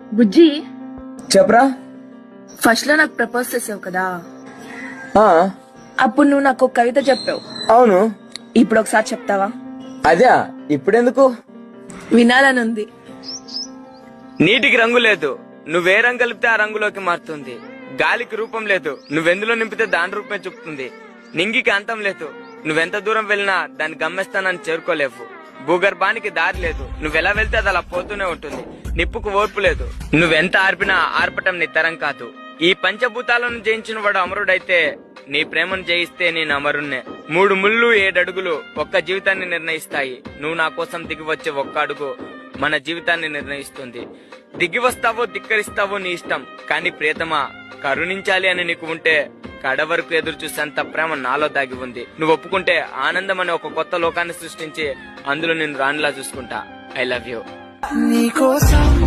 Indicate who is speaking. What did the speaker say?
Speaker 1: బుజ్జి,
Speaker 2: చెప్పరా.
Speaker 1: ఫస్ట్ లో నాకు ప్రపోజ్ చేసావు కదా,
Speaker 2: ఆ,
Speaker 1: అప్పుడు నువ్వు నాకు ఒక కవిత చెప్పావు.
Speaker 2: అవును.
Speaker 1: ఇప్పుడు ఒకసారి చెప్తావా?
Speaker 2: అదే ఇప్పుడెందుకు?
Speaker 1: వినాలనుంది.
Speaker 3: నీటికి రంగు లేదు, నువ్వే రంగు కలిపితే ఆ రంగులోకి మారుతుంది. గాలికి రూపం లేదు, నువ్వెందులో నింపితే దాని రూపమే చూపుతుంది. నింగికి అంతం లేదు, నువ్వెంత దూరం వెళ్ళినా దాని గమ్యస్థానాన్ని చేరుకోలేవు. భూగర్భానికి దారి లేదు, నువ్వెలా వెళ్తే అది అలా పోతూనే ఉంటుంది. నిప్పుకు ఓర్పు లేదు, నువ్వెంత ఆర్పినా ఆర్పటం నీ తరం కాదు. ఈ పంచభూతాలను జయించిన వాడు అమరుడైతే, నీ ప్రేమను జయిస్తే నేను అమరుణ్ణే. 3 ముళ్ళు 7 అడుగులు ఒక్క జీవితాన్ని నిర్ణయిస్తాయి. నువ్వు నా కోసం దిగి వచ్చే ఒక్క అడుగు మన జీవితాన్ని నిర్ణయిస్తుంది. దిగి వస్తావో ధిక్కరిస్తావో నీ ఇష్టం, కానీ ప్రియతమా కరుణించాలి అని నీకు ఉంటే కడ వరకు ఎదురు చూసేంత ప్రేమ నాలో దాగి ఉంది. నువ్వు ఒప్పుకుంటే ఆనందం అనే ఒక కొత్త లోకాన్ని సృష్టించి అందులో నేను రాణిలా చూసుకుంటా. I love you.